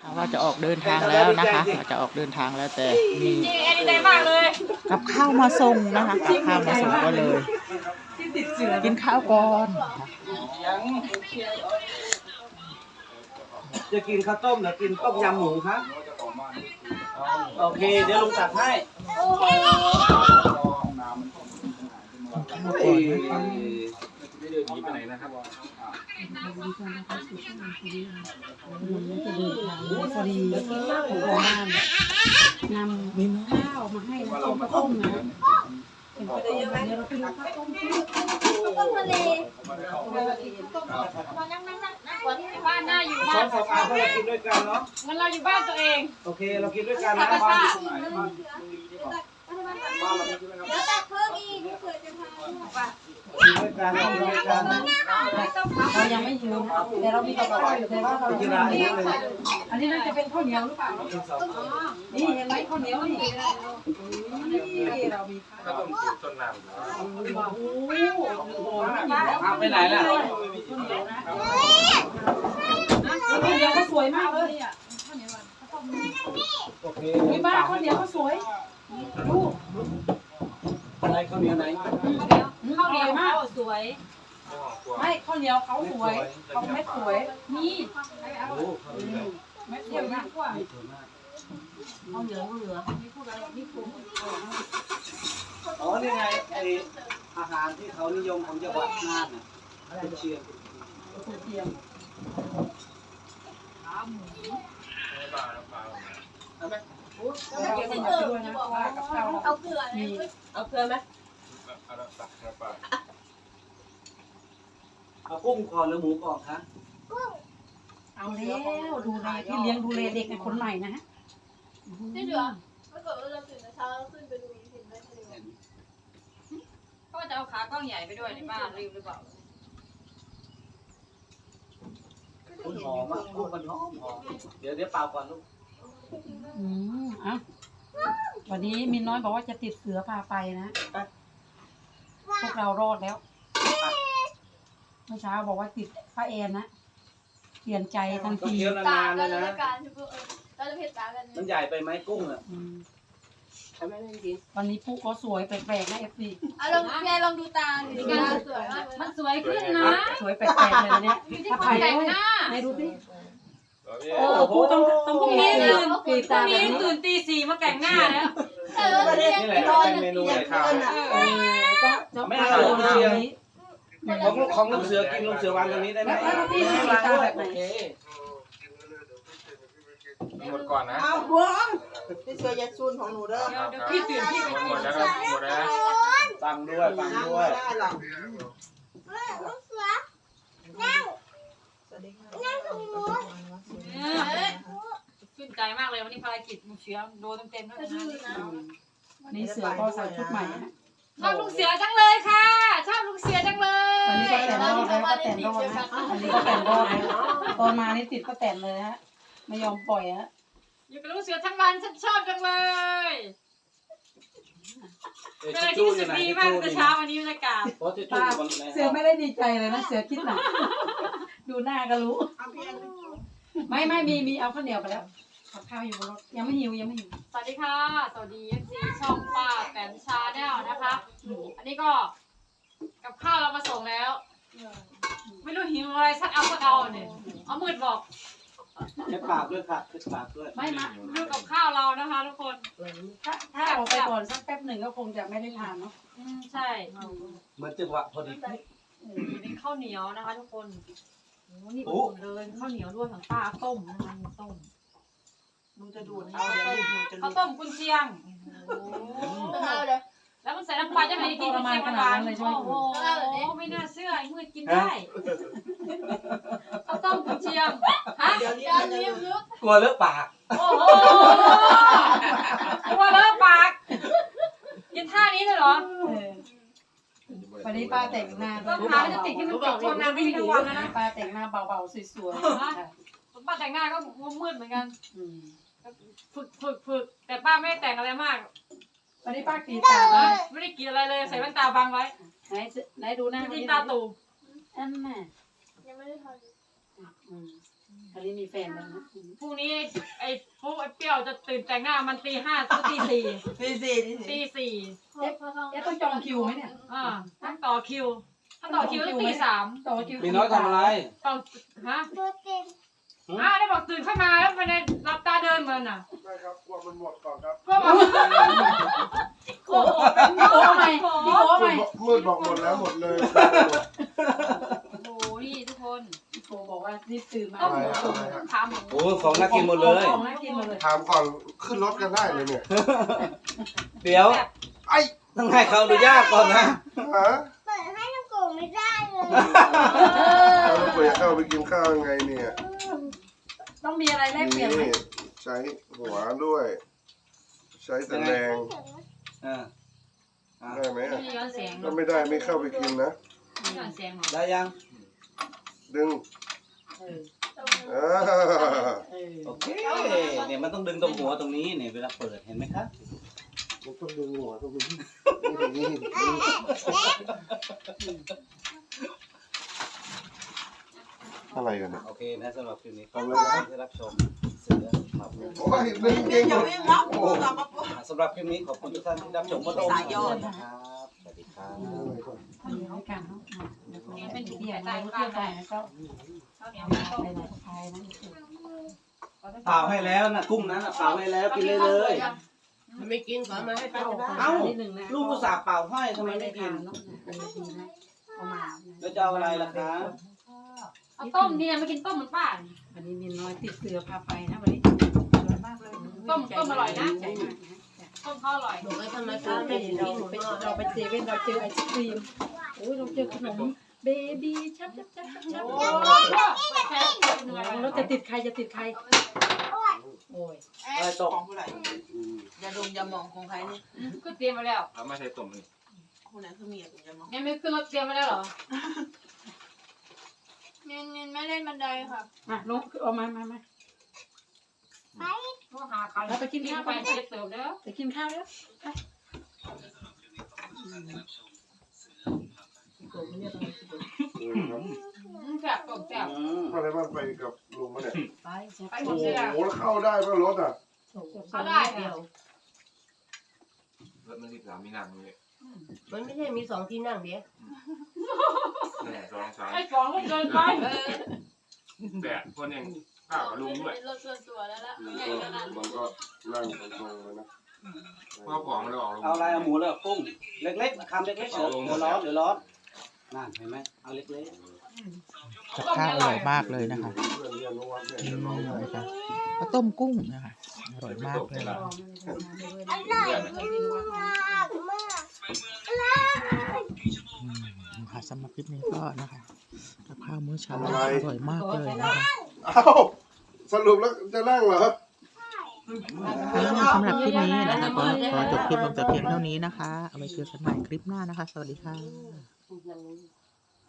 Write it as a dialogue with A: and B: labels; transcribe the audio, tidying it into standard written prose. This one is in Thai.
A: ว่าจะออกเดินทางแล้วนะคะเราจะออกเดินทางแล้วแต่มี
B: จริงแอนดีใจมากเลย
A: กับข้าวมาส่งนะคะกับข้าวมาส่งก็เลยกินข้าวก่อน
C: จะกินข้าวต้มหรือกินต้มยำหมูครับโอเคเดี๋ยวลุงตักให้ไม่เดินหนีไปไหนนะครับ
D: พอดีของบ้านนำข้าวมาให้เราต้มนะเห็นเดี๋ยวเราไปดูข้าวต้ม
B: ต้มทะเลมานั่งบ้านหน้าอยู่บ้าน
C: สองอาเรากินด้วยกันเนาะ
B: งั้นเราอยู่บ้านตัวเอง
C: โอเคเรากินด้วยกันนะบ้านอยู่ตรงไหนบ้านเรากินด้วยกัน
B: แล้วแต่เพิ่มอีกไม่เคยจะทาน
C: กินด้วยกันกินด้วยกัน
D: เรายังไม่หิวแต่เรามีกระเพาะอยู่แต่ว่าเรา
C: กินอะไรนี่เลย
D: อันนี้น่าจะเป็นข้าวเหนียวหรือเปล่านี่เห็นไหมข้าวเหนียวนี่เรามีข้าวต้มต้นน้ำ
C: เอาไปไหนล่ะ
D: ข้าวเหนียวก็สวยมากเลยอ่ะ
C: โอเค
D: มีบ้านข้าวเหนียวก็สวยดู
C: อะไรข้าวเหนียวไหน
D: ข้าวเหนียวมาก
B: สวย
D: ไม่ข้าวเหนียวเขาสวยเขาไม่สวยนี่
C: โอ้ข้าวเหนียว
D: ไม่สวยมากกว่า
C: สวยมาก
D: ข้าวเหนียวเหลือไม่พูดอะไรไม่คุ้ม
C: อ๋อนี่ไงไออาหารที่เขานิยมของจังหวัดน่านน่ะเป็นเชียง
D: เทียม
C: เอาไหม
D: เราเก็บมันมาด้วยนะว่ากับข้าว
B: เอาเกลือ
D: มี
B: เอาเกลือไหม
C: เอากุ้งก่อนหรือหมูก่อนคะ
D: เอาแล้วดูแลที่เลี้ยงดูแลเด็กในคนใหม่นะฮะ
B: ที่เหลือเมื่อก่อนเราตื่นแต่เช้าแล้วขึ้นไปดูหินได้ทะเลก็จะเอาขากล้องใหญ่ไปด้วยในบ้านลืมหรือเปล่า
C: คุณหอมอ่ะกุ้งมันหอมเดี๋ยวเปล่าก่อนลูก
D: อ่ะวันนี้มินน้อยบอกว่าจะติดเสือพาไปนะพวกเรารอดแล้วเมื่อเช้าบอกว่าติดป้าแอนนะเปลี่ยนใจทัน
C: ต้อง
D: ที
C: เคี้ยวนานๆเลยนะ
B: เราจะเผ็ดตากัน
C: มันใหญ่ไปไหมกุ้งอ่ะ
D: วันนี้ปุ๊กเขาสวยแปลกๆนะเอฟซี
B: ลองแกลองดูตาหนิการสวยมากมันสวยขึ้นนะ
D: สวยแปลกๆเลยนะเนี่ยถ้าไป
B: แต่ง
D: ด้วย
B: หน้า
D: ไหนดูสิโอ้ปุ๊กต้อง
B: พรุ่งนี้
D: ตื่
B: ตื่
D: น
B: น
D: กรีดตาแบบนี้
B: ตื่นตี 4มาแต่งหน้าแล้ว
C: นี่แหละเป็นเมนูไหนข้าว
D: ต้อง
C: ไม่
D: เอา
C: เอา
D: ลง
C: เชียง
D: นี้
C: ของลูกเสือกินลูกเสือวางตรงนี้ได้ไหม
D: แล้วพี่กรีดตาแบบไหน
C: โอเค
E: หมดก่อนนะ
F: เอาบัวพี่เสือยาซูนของหนูเด้อ
B: เดี๋ยวพี่ตื่นพี่ไป
E: หมดแล้วครับหมดแล้วนะ
C: ฟังด้วยฟัง
F: นั่ง
C: ด้ว
F: ไม่
C: ย
F: ได้หรอกสวัสดีค่ะ
B: ชื่นใจมากเลยวันนี้ภารกิจลุงเสือโดนเต็มๆแล้วนะ
D: นี่เสือก็ใส่ชุดใหม่นะ
B: ชอบลุงเสือจังเลยค่ะชอบลุงเสือจังเลย
D: วันนี้ก็แต่งรอดแล้วก็แต่งรอดนะวันนี้ก็แต่งรอดนะตอนมานี่ติดก็แต่งเลยฮะไม่ยอมปล่อยฮะ
B: อยู่กับลุงเสือทั้งวันฉันชอบจังเลยเป็นอะไรที่รู้สึกดีมากแต่เช้าวันนี้บรรยากาศ
C: เพราะจะจุ่
D: ป้าม
C: มันใน
D: เสือไม่ได้ดีใจเลยนะเสือคิดหนักดูหน้าก็รู้
F: เอาเพียง
D: ไม่มีเอาข้าวเหนียวไปแล้วกับข้าวอยู่บนรถยังไม่หิว
B: สวัสดีค่ะสวัสดี FC ช่องป้าแปนชาแนลนะคะอันนี้ก็กับข้าวเรามาส่งแล้ว ไม่รู้หิวอะไรสักเอาเนี่ยเอามืดบอก
C: เช็ดปากด้วยค่ะเช็ดปากด้วย
D: ไม่มา
B: ดูกับข้าวเรานะคะทุกคน
D: ถ้าออกไปก่อนสักแป๊บหนึ่งก็คงจะไม่ได้ทานเนาะ
B: ใช่
C: เหมือนจังหวะพอดี
B: เป็นข้าวเหนียวนะคะทุกคนโอ้นี่อุ่นเลยข้าวเหนียวด้วยของป้าต้มนะคะมีต้ม
F: หนูจะดูดเอาเดี๋ยวหนูจะ
B: ข้าวต้มกุนเชียงแล้วมันใส่น้ำปลาจะไม่ได้กินกุนเชียงหวานๆโอ้โหไม่น่าเชื่อไอ้มืดกินได้ข้าวต้มกุนเชียงฮะ
F: เดี๋ยวนี้มันจะดูด
C: กลัวเลอะปาก
B: โอ้โหกลัวเลอะปากกินท่านี้เลยเหรอ
D: วันนี้ป้าแต่งหน้า
B: ต้องหาจะติดที่มันติดทนนานไม่มีทั้งวันแล้วนะ
D: ป้าแต่งหน้าเบาๆสวย
B: ป้าแต่งหน้าก็มืดเหมือนกันฝึกแต่ป้าไม่ได้แต่งอะไรมาก
D: วันนี้ป้ากรีดตา
B: ไม่ได้กินอะไรเลยใส่แว่นตาบังไว้
D: ไหนดูหน้า
B: จริงตาตู
D: อันน่ะ
B: ยังไม่ได้ท
D: อันนี้มีแฟนแล้วนะ
B: พรุ่งนี้ไอ้พวกไอ้เปรี้ยวจะตื่นแต่งหน้ามันตี 5ถึงตี
F: นี่สิ
B: 4ตี 4
D: เอ๊ะต้องจองคิวไหมเนี่ย
B: ต้องต่อคิว ถ้าต่อคิวต้องตี 3
D: ต่อคิว
C: มีน้อยทำอะไร
B: ต้องฮะได้บอกตื่นขึ้นมาแล้วไปในรับตาเดินเหมือนน่ะ
G: ได้ครับกลัวมันหมดก่อนครับ
B: ก็บอกโอ้โห
D: พี่โก้ใหม่พี่โก้ใหม่
G: มืดบอกหมดแล้วหมดเลย
B: โอ้โหนี่ทุกคน
D: พี่โก้บอกว่ารีบตื่นมา
B: ต้อง
G: อะไรอะอะไรอะ
B: ถามหม
C: โอ้ของน่ากินหมดเลย
D: ของน่ากินหมดเลย
G: ถามก่อนขึ้นรถกันได้เลยเนี่ย
C: เดี๋ยว
G: ไอ้
C: ต้องให้เขาอนุญาตก่อนนะ
G: ฮะ
H: เปิดให้น้องโกงไม่ได้เลย
G: เราต้องไปเข้าไปกินข้าวยังไงเนี่ย
D: ต้องมีอะไรแลกเปลี่ยนไหม
G: นี่ใช้หัวด้วย ใช้ตะแรง
C: อ่า
G: ได้ไหม
B: ไม่ย้อนแสงหร
G: ถ้า
B: อก
G: ไม่ได้ไม่เข้าไปกินนะ
B: ไม่ย้อนแสงหรอก
C: ได้ยัง
G: ดึง
D: เออ
G: อ่า
D: เออ
C: โอเค เนี่ยมันต้องดึงตรงหัวตรงนี้เนี่ยเวลาเปิดเห็นไหมครับ
G: มันต้องดึงหัวต้องดึงนี่ อะไรกันเนี่ย
C: โอเคนะสำหรับคลิปนี้
G: ทำอะไรนะ
C: ที่รับชมเสือครับ
G: โอ้ยดึงเก่ง
F: อย่าวิ่งรับกูกลับมาปุ๊บ
C: สำหรับคลิปนี้ขอบคุณทุกท่านที่รับชมมาดูนะครับ สวัสดีครับ
D: ทำอย่างนี้กันเนาะเดี๋ยว
B: นี่
D: เป็
B: เป็น น
D: เที่
B: ที่
D: ย
B: ใส่
D: ว
B: ใต้
D: มา
B: บ้า
D: เที่ย
B: น
D: ว
B: ได้
D: ได้ก็
B: ข้าวเหนียวไม่ต้ม
D: ไปไหนก็ไปนะ
C: เปล่าให้แล้วนะกุ้งนั้นน่ะเปล่าให้แล้วกินเลยเลย
F: ไม่กินก่อนมาให้ป้าจะได้
C: เอ้า
D: นิดนึงนะ
C: ลูกอุตส่าห์เปล่าให้ทำไม
D: ไม่ได้
C: ไม่กิ
D: ทาน นเนาะดีนะเอามา
C: แล้วจะเอาอะไรล่ะคะ
B: เอาต้มเนี่ยไม่กินต้มเหมือนป้า
D: วันนี้มีน้อยติดเสือพาไปนะวันนี้
B: ต้มอร่อยนะ
D: ใจมากนะ
B: ต้มเขาอร่อย
F: บอกให้ทำไม
D: เรา
F: ป้า
D: ไป
F: ไม่กินหมูทอด
D: เราไปเซเว่นเราเจอไอศครีมโอ้ยเราเจอขนมเบบี้ชับชับชับชับ
B: โอ้แค่เหนื่อย
D: เราจะติดใครจะติดใครโอ้ย
C: อะไรตก
F: ของผู้ใดอย่าดมอย่ามองของใครนี่
B: ก็เตรียมมาแล้ว
E: แล้วไม่ใช่ตุ่มนี่
F: คนไหนคือเมียผมอย่ามอง
B: ยังไม่ขึ้นรถเตรียมมาแล้วเหรอ
H: เน้นไม่เล่นบันไดค่ะ
D: มาลงเอามา
B: ก็หาเขาแล้วไปกินข้าวไปเจ็บเติมแล้ว
D: ไปกินข้าวแล้วไป
B: แซ่บต้มแซ่บ
G: อะไรบ้างไปกับลุงมาเนี่ย
D: ไป
B: ไปหม
G: โอ้
B: ด
G: โห
B: เลยอ่ะ
G: แล้วเข้าได้ป่ะรถอ่ะ
B: เขาได้เดียว
E: รถมัน13มีนั่งเลย
F: มันไม่ใช่มีสองที่นั่งเดียว
E: 1 2 3
B: ไอ้ฟองก็เกินไป
E: 8คนยังข้าวกับลุงด้วย
H: รถส่วนตัวแล้วล่ะ
G: มันก็นั่งตรงๆเลยนะ
E: ข้าวของมันออกลุง
C: เอาอะไรเอาหมูแล้วกุ้ง เล็กๆคำเล็กๆเดี๋ยวร้อนนั่นเห็นไหมเอาเล็ก
A: กับข้าวอร่อยมากเลยนะคะ
G: เพื่อนเรียนรู้ว่าเนี่ยจะร้องไห้
A: นะคะข้าวต้มกุ้งนะคะอร่อยมากเลย
H: อร่อยมากมาก
A: ค่ะสำหรับคลิปนี้ก็นะคะกับข้าวมื้อเช้าอร่อยมากเลยนะคะ
G: เอ้าสรุปแล้วจะนั่งเหรอ
A: สำหรับคลิปนี้นะคะก็ขอจบคลิปลงแต่เพียงเท่านี้นะคะ เอาไว้เจอกันใหม่คลิปหน้านะคะ สวัสดีค่ะ
F: ๆ